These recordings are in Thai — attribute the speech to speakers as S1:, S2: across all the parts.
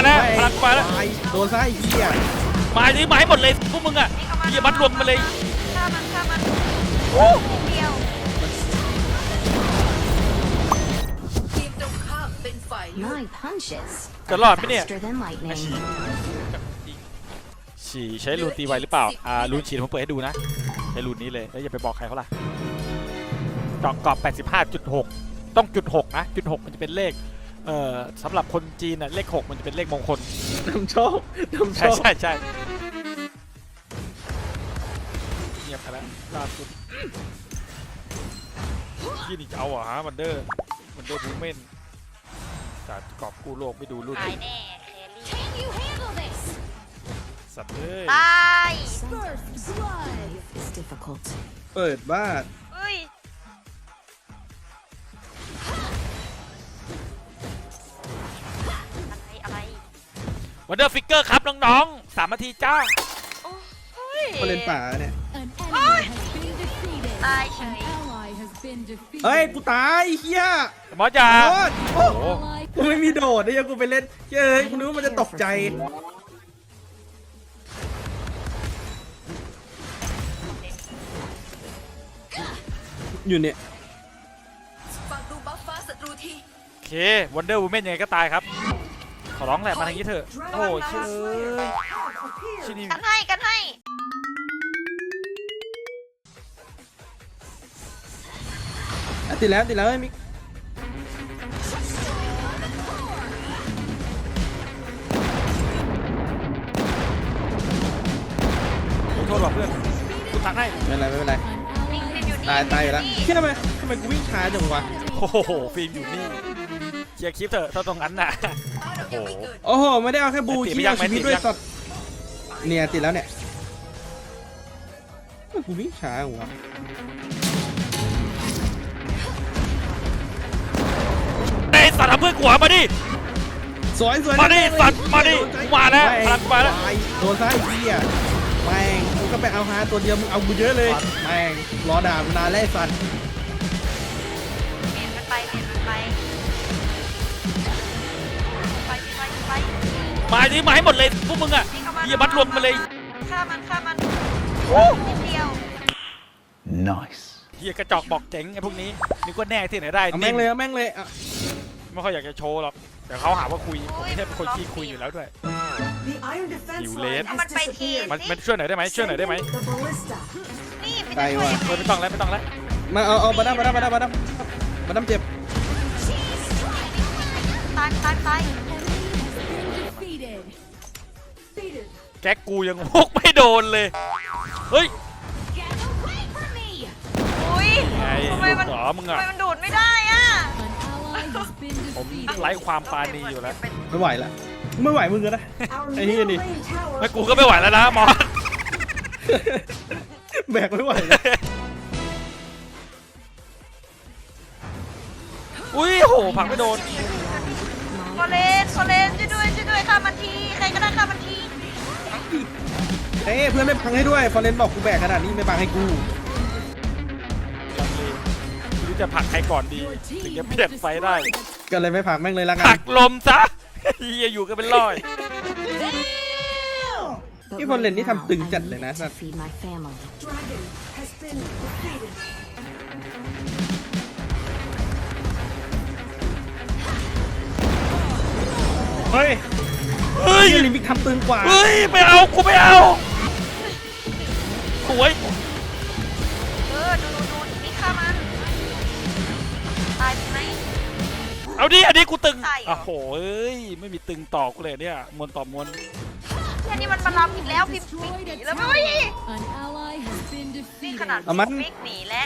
S1: แล้วพลังมาแล้ว
S2: โดนไส้เหี้ย
S1: มาดิมาให้หมดเลยพวกมึงอ่ะอย่ามัดรวมมาเลย
S3: ฆ่ามันเดียว
S4: ทีมตรงข้ามเป็นฝ่ายเลือก
S5: My punches
S1: จะรอดไหมเนี่ย
S5: faster than lightning.
S1: ฉี่ใช้รูนตีไวหรือเปล่ารูนฉีดผมเปิดให้ดูนะใช้รูนนี้เลยแล้วอย่าไปบอกใครเขาล่ะเจาะกรอบ 85.6 ต้องจุด6นะจุด6มันจะเป็นเลขสำหรับคนจีนน่ะเลข6มันจะเป็นเลขมงคล
S2: นำโชค
S1: ใช่ใช่เงียบไปแล้วล่าสุดยี่นี่จะเอาเหรอฮะวันเดอร์บูเมนแต่กรอบกู้โลกไม่ดูรุ่น
S3: ตายแน่เคลลี่
S5: Can you handle this?
S1: สัตว์เอ้ย
S3: ตาย
S5: First blood is difficult.
S2: เปิดบ้าน
S3: เฮ้ยอะไร
S1: วันเดอร์ฟิกเกอร์ครับน้องๆ3 นาทีจ้า
S3: โอ้ย
S2: มาเล่นป่าเนี่ย
S6: An enemy has been defeated.
S3: ตายเฉ
S6: An
S3: ย
S6: ally has been defeated.
S2: เฮ้ยกูตายเฮีย
S1: หมอจ๋า
S2: โดนโอ้
S1: โอ้
S6: Ally
S2: กูไม่มีโดดเนี่ยกูไปเล่นเฮ้ยกูนึกว่ามันจะตกใจอยู่เนี่ย
S4: ฝั่งดูบัฟฟ้าศัตรูที
S1: โอเควันเดอร์บูเมนยังไงก็ตายครับขอร้องแหละมาทางนี้เถอะโอ้เชื่อชื่อนี่
S3: กันให้
S2: ติดแล้วไอ้มิก
S1: โทษว่ะเพื่อนกูตักให้
S2: ไม่เป็นไร
S6: an
S3: นิ่
S6: ally
S3: งอยู่นี่
S2: ตายอยู่แล้วเฮียทำไมกูวิ่งช้าจังวะ
S1: โอ้โหฟิล์มอยู่นี่เคลียร์คลิปเถอะถ้าตรงนั้นน่ะโอ้โห
S2: โอ้โหไม่ได้เอาแค่บู
S1: ติด
S2: ชี้
S1: ไม่ยั
S2: เอา
S1: ง
S2: ชีวิต
S1: ไม่ติด
S2: ด้วย
S1: ยัง
S2: สัตว์เนี่ยติดแล้วเนี่ยกูวิ่งช้าจังวะ
S1: ไอ้สัตว์ทำเพื่อนกูเหรอมาดิ
S2: สวย
S1: มาดิสัตว์มาดิกูมาแล้วพลังมาแล้ว
S2: โดนไส้เหี้ยแม่งกูก็ไปเอาฮาตัวเดียวมึงเอากูเยอะเลยแม่งรอด่ากูนานแล้วไอ้สัตว์
S3: เมียนมันไป
S1: มาดิมาให้หมดเลยพวกมึงอ่ะอย่ามัดรวมมาเลย
S3: ฆ่ามันนิดเดียว
S1: เฮียกระจอกบอกเจ๋งไอ้พวกนี้นึกว่าแน่ที่ไหนได้
S2: เอาแม่งเลยเอาแม่งเลยอ่ะ
S1: ไม่ค่อยอยากจะโชว์หรอกเดี๋ยวเขาหาว่าคุยผมไม่ใช่เป็นคนขี้คุยอยู่แล้วด้วย หิวเลส
S3: เอามันไปที
S1: มันช่วยหน่อยได้ไหมช่วยหน่อยได้ไหม
S3: นี่ไม่
S2: ไกล
S3: ได้ช่วย
S2: ว่ะ
S1: ไม่ต้องแล้วไม่ต้องแล้ว
S2: มาเอามาดั้มเจ็บ
S3: ตาย
S6: defeated. Defeated.
S1: แก๊กกูยังพกไม่โดนเลยเฮ้ย
S5: Get away from me!
S3: อุ้ย
S1: ไง
S3: ทำไม
S1: ลูก
S3: มัน
S1: เหรอมึงอ่ะ
S6: An
S3: ดูดไม่ได้อ่ะ
S6: ally has been
S1: ผม
S6: defeated.
S1: ไร้ความปราณีอยู่แล้ว
S2: ไม่ไหวละไม่ไหวมึงก็นะไอ้นี่นี่
S1: แล้วกูก็ไม่ไหวแล้วนะมอส
S2: แบกไม่ไหวแล้ว
S1: อุ้ยโหผลักไม่โดน
S3: ฟอเรนช่วยด้วยฆ่ามันทีใครก็ได้ฆ่ามันที
S2: เอ้เพื่อนไม่พังให้ด้วยฟอร์เรนบอกกูแบกขนาดนี้ไม่พังให้กู
S1: ไม่รู้จะผลักใครก่อนดี
S6: Your
S1: ถึง
S6: team
S1: จะ
S6: has
S1: เปลี่ยนไฟได้
S6: destroyed
S2: ก็เลยไม่พังแม่งเลยละกั
S1: ผลั
S2: น
S1: กลมซะเฮียอยู่กันเป็นร้อย
S5: But
S2: ที่ฟอร์เรน
S5: right
S2: นี่
S5: now,
S2: ทำตึง
S5: I
S2: จัดเลย
S5: need
S2: นะ
S5: to feed my family.
S2: เฮ้ย
S1: เฮ้ย
S2: ที่ลิมิกทำตึงกว่า
S1: เฮ้ยไม่เอากูไม่เอาสวย
S3: ดูนี่ฆ่ามันตายไหม
S1: เอาดิอันนี้กูตึง
S3: ใช่เหรอ
S1: โอ้โหเอ้ยไม่มีตึงต่อกูเลยเนี่ยมวนต่อมวน
S3: แค่นี้มันมาล้ำอีกแล้วพิมพ์หนีแล้วไม่
S6: An ally has been
S3: นี่ข
S6: defeated.
S3: นาด
S2: เอามัน
S3: ฟิกหนีแล้ว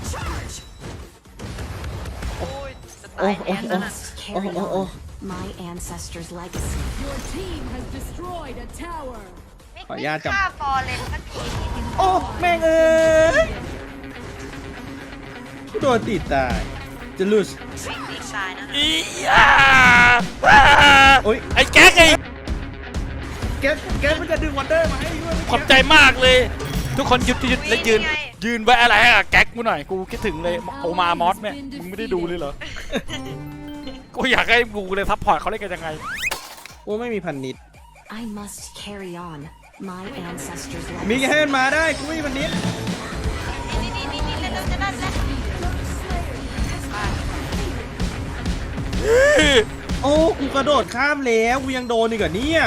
S3: โอ้ยจะ
S2: โอ้
S3: ตาย
S2: โอ้
S3: แน่
S2: โอ้
S3: แล้วนะ
S5: Carry
S2: oh, oh.
S5: on my ancestors' legacy.
S6: Your team has destroyed a tower.
S2: ขออนุญาตจับ
S3: ฆ่าฟอร์เรนสักที
S2: โอ้แม่งเอ้ยกูโดนติดตายจะลุส
S3: ฟิกหนีตายนะ
S1: อีอ่าอ่า
S2: โอ้ย
S1: ไอ้แก๊กไอ้
S2: แกมันจะดึงวันเดอร์มาให้ด้วย
S1: ขอบใจมากเลย ทุกคนหยุดแล้วยืนไว้อะไรอะแก๊กกูหน่อยกูคิดถึงเลยโอมามอสแม่มึงไม่ได้ดูเลยเหรอกูอยากให้กูเลยซัพพอร์ตเขาเล่นกันยังไง
S2: โอ้ไม่มีพันนิด
S5: I must carry on. My ancestors'
S2: มีแค่
S5: legacy.
S2: ให้มันมาได้กูไม่มีพันนิด
S3: นี่เร็วๆจะนั่นแล้ว
S2: โอ้กูกระโดดข้ามแล้วกูยังโดนอีกเหรอเนี่ย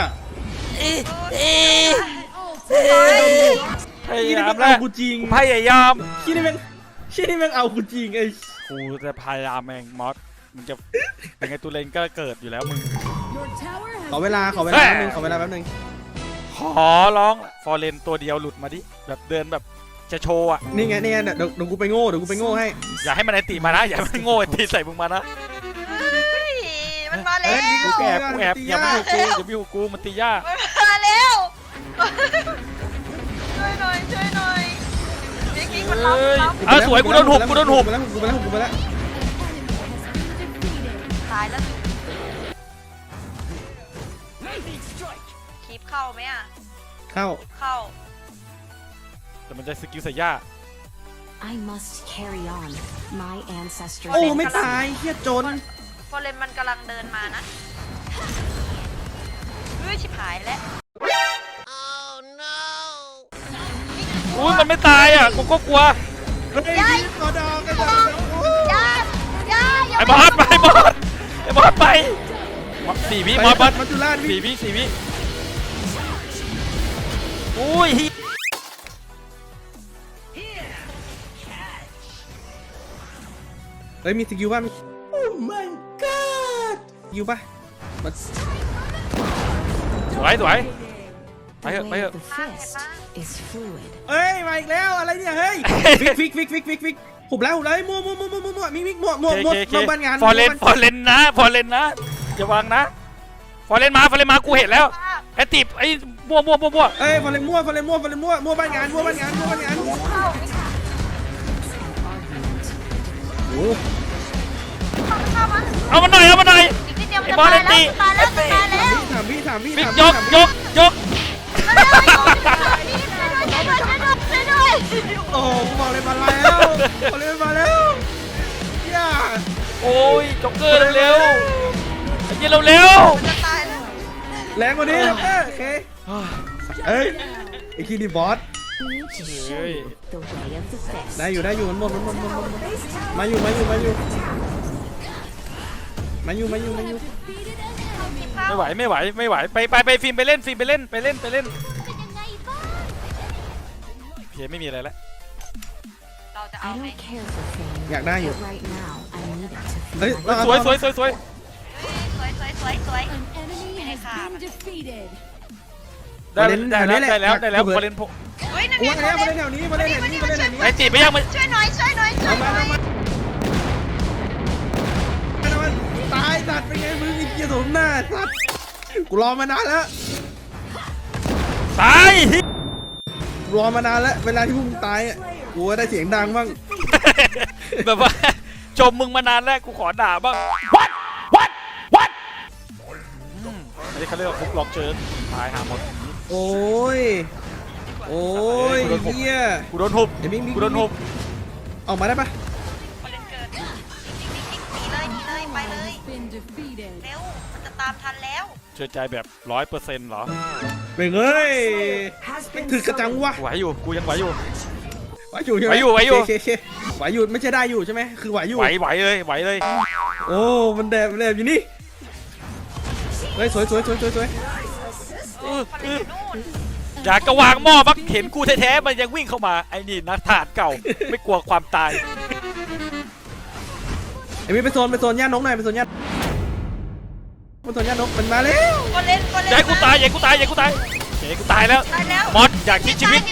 S1: พยา
S2: ที่นี่
S1: ยาม
S2: แม่ง
S1: แล้ว
S2: เอากูจริง
S1: พยายาม
S2: ที่นี่แม่งเอากูจริงไอ้
S1: กูจะพยายามเองมอสมึงจะเป็นไงตูเลนก็เกิดอยู่แล้วมึง
S6: Your tower
S2: ขอ
S6: has
S2: เวลาแป๊บนึงขอเวลาแป๊บนึง
S1: ขอร้องฟอร์เรนตัวเดียวหลุดมาดิแบบเดินแบบจะโชว์อ่ะ
S2: นี่ไงเดี๋ยวกูไปโง่ให้
S1: อย่าให้มันไอติมานะอย่าให้มันโง่ไอติใส่มึงมานะ
S3: เฮ้ยมันมาแล้ว
S1: กูแอบอย่ามาอยู่กูอย่ามาอยู่กูมันตียาก
S3: มันมาแล้วช่วยหน่อยบิ๊กมันรับ
S1: เออสวยกูโดนหุบ
S2: กูไปแล้ว
S3: ตายแล้วคลิปเข้าไหมอ่ะ
S2: เข้า
S3: เข้า
S1: แต่มันจะสกิลใส่ย่า
S5: I must carry on. My ancestors'
S2: โอ้
S5: legacy.
S2: ไม่ตายเฮียจน
S3: ฟอร์เรนมันกำลังเดินมานะเฮ้ยชิบหายแล้ว
S1: อุ้ยมันไม่ตายอ่ะกูก็กลัว
S2: เฮ้ยขอดอกกัน
S3: อย่า
S1: ไอ้บอสไปไอ้บอสไปสี่วิมอสบอส
S2: มัจจุราช
S1: สี่วิอุ้ย
S2: เฮ้ยมีสกิลป่ะโอ้ my god สกิลป่ะมัน
S1: สวยไป
S5: The
S1: เถอะ
S5: way of the fist is fluid.
S2: เอ้ยมาอีกแล้วอะไรเนี่ยเฮ้ยฟิกหุบแล้วมั่วมีมิกมั่วบ้านงาน
S1: ฟอร์เรนนะอย่าวางนะฟอร์เรนมากูเห็นแล้วไอ้ติบไอ้มั่ว
S2: เอ้ยฟอร์เรนมั่วบ้านงานโอ้
S1: เอามันหน่อย
S3: อีกนิดเดียวมันจะตายแล้วตายแล้ว
S2: สามวิ
S1: บิ๊กยก
S3: ช่วยด้วย
S2: โอ้บอกเลยมาแล้วย่า
S1: โอ้ยจ็อกเกอร์เร็วไอ้เหี้ยเร็ว
S3: จะตายแล้ว
S2: แรงกว่านี้โอเคเอ้ยไอ้คีดีบอส
S5: Need to show you the way of the fist.
S2: ได้อยู่มันหมดมาอยู่
S1: ไม่ไหวไปฟิล์มไปเล่นไปเล่นเพไม่มีอะไรแล้ว
S3: เราจะเอา
S5: I
S3: ไหม
S5: don't care for fame.
S2: อยากได้อยู่
S5: But right now, I need it to
S2: เฮ้ย
S5: feel.
S1: สวย
S3: สวย
S6: an enemy has been defeated.
S1: ได้แล้วฟอร์เรน
S3: เฮ้ยนั่น
S2: กู
S3: ไง
S2: มาแถวนี้
S1: ไอ้ติบไปยังมัน
S3: ช่วยหน่อย
S2: ตายสัตว์เป็นไงมึงไอ้เกียร์สมหน้าสัตว์กูรอมานานแล้ว
S1: ตาย
S2: รอมานานแล้วเวลาที่พวกมึงตายกูได้เสียงดังบ้าง
S1: แบบว่าจมมึงมานานแล้วกูขอด่าบ้างอันนี้เขาเรียกว่าฟุกล็อกเชิญตายหาหมด
S2: โอ้ยเฮีย
S1: กูโดนหุบ
S2: ไอ้บิ๊ก
S1: กูโดนหุบ
S2: ออกมาได้ปะ
S3: ฟอร์เรนเกิดหนีเลยไปเลย
S6: Been defeated.
S3: เร็วมันจะตามทันแล้ว
S1: เชื่อใจแบบ100%เหรอ
S2: เป็นเฮ้ยไม่ถึกกระจังวะ
S1: ไหวอยู่กูยังไหวอยู่
S2: ไหวอยู่ใช่ไหม
S1: ไหวอยู่
S2: เคไหวอยู่ไม่ใช่ได้อยู่ใช่ไหมคือไหวอยู่
S1: ไหวเลย
S2: โอ้มันแดบอยู่นี่เฮ้ยสวย
S3: ฟอร์เรนอยู่นู่น
S1: อยากกระวางหม้อมักเห็นกูแท้ๆมันยังวิ่งเข้ามาไอ้นี่นักทหารเก่าไม่กลัวความตาย
S2: ไอ้มีไปโซนย่านกหน่อยไปโซนย่านนกมันมาแล้ว
S3: ฟอร์เรน
S1: อย่าให้กูตายเฮ้ยกูตายแล้ว
S3: ตายแล้ว
S1: มอสอยากคิดชีวิต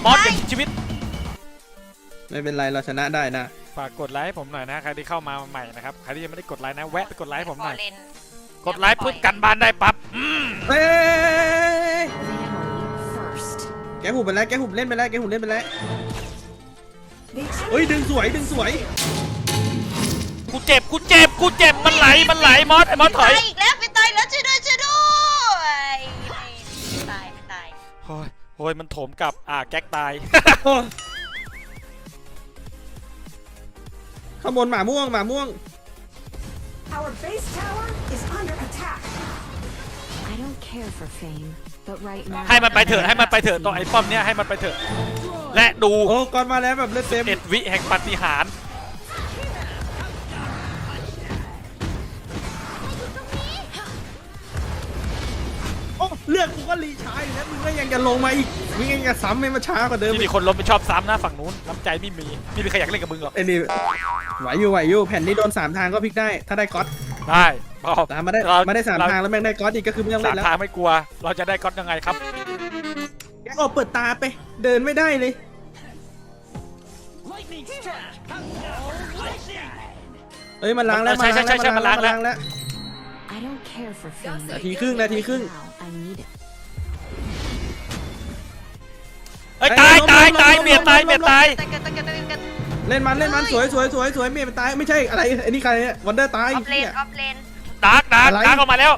S2: ไม่เป็นไรเราชนะได้นะ
S1: ฝากกดไลค์ให้ผมหน่อยนะใครที่เข้ามาใหม่นะครับใครที่ยังไม่ได้กดไลค์นะแวะไปกดไลค์ให้ผมหน่อย กดไลค์เพื่อกันบ้านได้ปั๊บ
S2: เฮ้ย
S5: Family first.
S2: แกหุบไปแล้วเล่นไปแล้วเฮ้ยดึงสวย
S1: กูเจ็บมันไหลมอสไอ้มอสถอย
S3: อีกแล้วไปตายแล้วช่วยด้วยไม่ตาย
S1: โอ้ยมันโถมกลับแก๊กตาย
S2: ข้างบนหมาม่วง
S5: I don't care for fame, but right now
S1: ให้มันไปเถอะให้มันไปเถอะตัวไอ้ป้อมเนี้ยให้มันไปเถอะและดู
S2: โอ้ก่อนมาแล้วแบบเลือดเต็ม
S1: 11 วิแห่งปาฏิหาริย์
S2: โอ้เลือดกูก็รีชาร์จอยู่แล้วมึงก็ยังจะลงมาอีกมึงยังจะซ้ำให้มันช้ากว่าเดิม
S1: ที่มีคนล้มไปชอบซ้ำนะฝั่งนู้นน้ำใจไม่มีใครอยากเล่นกับมึงหรอก
S2: ไอ้นี่ไหวอยู่แผ่นนี้โดน3 ทางก็พลิกได้ถ้าได้ก๊อต
S1: ได้พอ
S2: ตามมาได้
S1: เรา
S2: มาได้3 ทางแล้วแม่งได้ก๊อตอีกก็คือไม่ต้อง
S1: สา
S2: เล่
S1: ม
S2: นแล้ว
S1: ทางไม่กลัว เราจะได้ก๊อตยังไงครับ
S2: แกออกเปิดตาไปเดินไม่ได้เลยเอ้ยมันล้างแล้ว
S1: ใช่มันล้างแล้ว
S2: แล้ว
S5: I don't care for fame.
S2: นาทีครึ่ง
S5: Now I need it.
S1: เอ้ยตายเมียตาย
S3: ตะเกียบตะเกียบตะเกียบ
S2: เล่นมันสวยเมียมันตายไม่ใช่อะไรอันนี้ใครเนี่ยวันเดอร์ตาย
S3: ออฟเลนออฟเลน
S1: ดาร์กออกมาแล้ว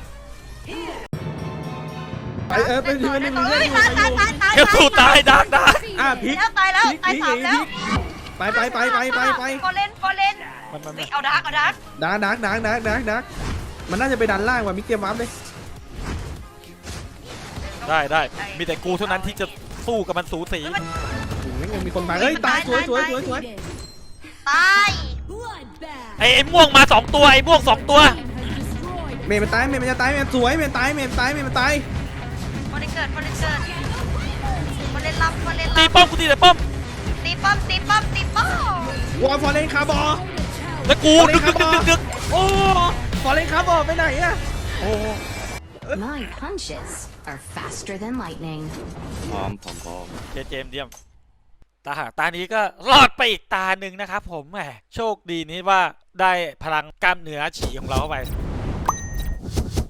S2: ไปไปทีนึง
S3: เฮ้ยตาย
S1: เดี๋ยวสู้ตายดาร์ก
S2: อ่ะพลิก
S3: แล้วตายแล้วตาย 3แล้ว
S2: ไป
S3: โฟเลนเอาดาร์ก
S2: ดักมันน่าจะไปดันล่างว่ะมิกเตรียมวับเลย
S1: ได้มีแต่กูเท่านั้นที่จะสู้กับมันสูสี
S2: ยังมีคนมาเฮ้ยตายสวย
S6: Defeated.
S3: ตาย
S6: Bloodbath.
S1: ไอ้ม่วงมา2ตัวไอ้ม่วง2ตัว
S6: Team has destroyed.
S2: เมย์มันตายเมย์มันจะตายเมย์สวยเมย์ตายเมย์ตาย
S3: โฟเลนเกิดรับ
S1: ตีป้อมกูตีแต่ป้อม
S3: ตีป้อม
S2: วอลฟอร์เรนคาร์บอ
S1: แล้วกูดึกโอ้
S2: ฟอร์เรนคาร์บอไปไหนอะ
S1: โอ้
S5: My punches are faster than lightning.
S1: เจมส์เดียมตานี้ก็รอดไปอีกตาหนึ่งนะครับผมแหมโชคดีนี้ว่าได้พลังกล้ามเนื้อฉี่ของเราเข้าไป